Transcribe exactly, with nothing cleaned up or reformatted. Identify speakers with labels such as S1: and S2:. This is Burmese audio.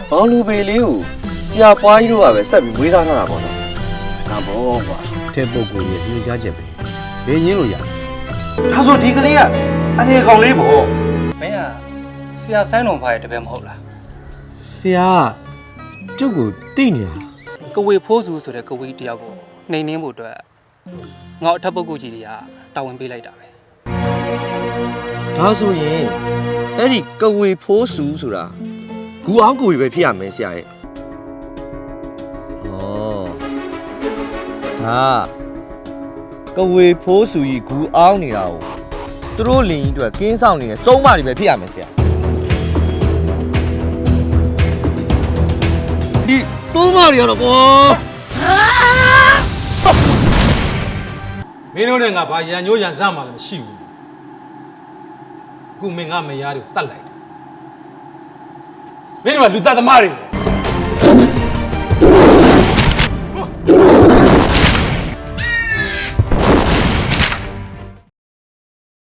S1: ဘောင်လူပေလေးကိုဆရာပွားကြီးတို့ကပဲဆက်ပြီးမွေးသားထားတာပေါ့နော်ဒါဘောကွာ
S2: တဲ့ပုဂ္ဂိုလ်ရဲ့ညွှန်ကြားချက်ပဲဘယ်ငင်းလို့ရ
S1: ဒါဆိုဒီကလေးကအနေကောင်လေးပေါ့
S3: မင်းကဆရာဆိုင်းတော်ဖားရဲ့တပည့်မဟုတ်လား
S2: ဆရာကျုပ်ကိုတိနေရ
S3: ကဝေဖိုးစုဆိုတဲ့ကဝေတယောက်ကိုနှိမ်နှင်းဖို့အတွက်ငါအထက်ပုဂ္ဂိုလ်ကြီးတွေကတာဝန်ပေးလိုက်တာပဲ
S1: ဒါဆိုရင်အဲ့ဒီကဝေဖိုးစုဆိုတာဂူအောင်ကိုကြီးပဲဖြစ်ရမယ်ဆရာရဲ့ဩဒါကဝေဖိုးစုကြီးဂူအောင်နေတာကိုသူတို့လင်ကြီးအတွက်ကင်းဆောင်နေတဲ့စုံးမတွေပဲဖြစ်ရမယ်ဆရာဒီစုံးမတွေကတော့ကွာ
S4: မင်းတို့နဲ့ငါဘာရန်ညိုးရန်စမှလည်းမရှိဘူးခုမင်းငါမယားတွေကိုတတ်လိုက်တယ်မင်းတို့ကလူတတ်သမားတွေ